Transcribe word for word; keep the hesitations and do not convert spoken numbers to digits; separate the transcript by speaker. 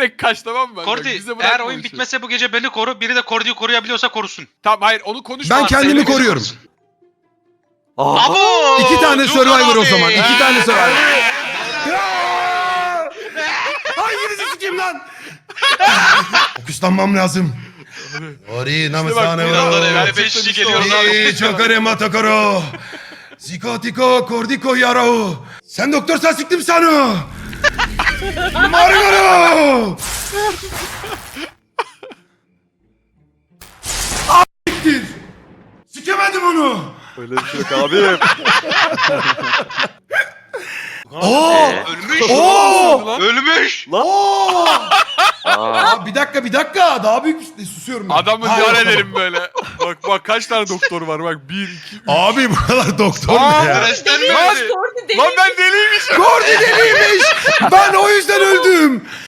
Speaker 1: direkt kaç, tamam mı? Bak,
Speaker 2: Kordi
Speaker 1: bize bırakma
Speaker 2: eğer
Speaker 1: bu
Speaker 2: oyun
Speaker 1: işi.
Speaker 2: bitmese bu gece beni koru. Biri de Kordi'yi koruyabiliyorsa korusun.
Speaker 1: Tamam hayır onu konuşma.
Speaker 3: Ben
Speaker 1: Sen
Speaker 3: kendimi
Speaker 1: beni
Speaker 3: koruyorum.
Speaker 1: korusun.
Speaker 2: Abo!
Speaker 3: İki tane
Speaker 2: Dur
Speaker 3: Survivor o
Speaker 2: abi.
Speaker 3: zaman. İki tane
Speaker 1: Ee,
Speaker 3: Survivor. Hanginizi sikeyim lan? Fokuslanmam lazım. Ori namasane
Speaker 2: Birazdan
Speaker 3: o.
Speaker 2: evvel beş kişi geliyoruz abi.
Speaker 3: Ori çokare matakaro. Zikotiko kordiko yarao. Sen doktorsan siktim sana. Margaro. Siktir. Sikemedim onu.
Speaker 4: Öyle bir şey yok abi.
Speaker 3: Oo.
Speaker 2: Ölmüş.
Speaker 3: Oo.
Speaker 2: Ölmüş.
Speaker 3: Oo.
Speaker 4: Aa,
Speaker 3: Abi bir dakika bir dakika daha büyük bir susuyorum ben.
Speaker 1: Adamı
Speaker 3: Ha, yok,
Speaker 1: ziyaret
Speaker 3: tamam.
Speaker 1: edelim böyle. Bak bak kaç tane doktor var bak. Bir, iki, üç.
Speaker 3: Abi buralar doktor mu
Speaker 1: Aa,
Speaker 3: ya?
Speaker 2: Stresten mi
Speaker 1: Lan-
Speaker 2: öldü?
Speaker 5: Kordi deli.
Speaker 1: Lan ben deliymişim.
Speaker 3: Kordi deliymiş. Ben o yüzden öldüm.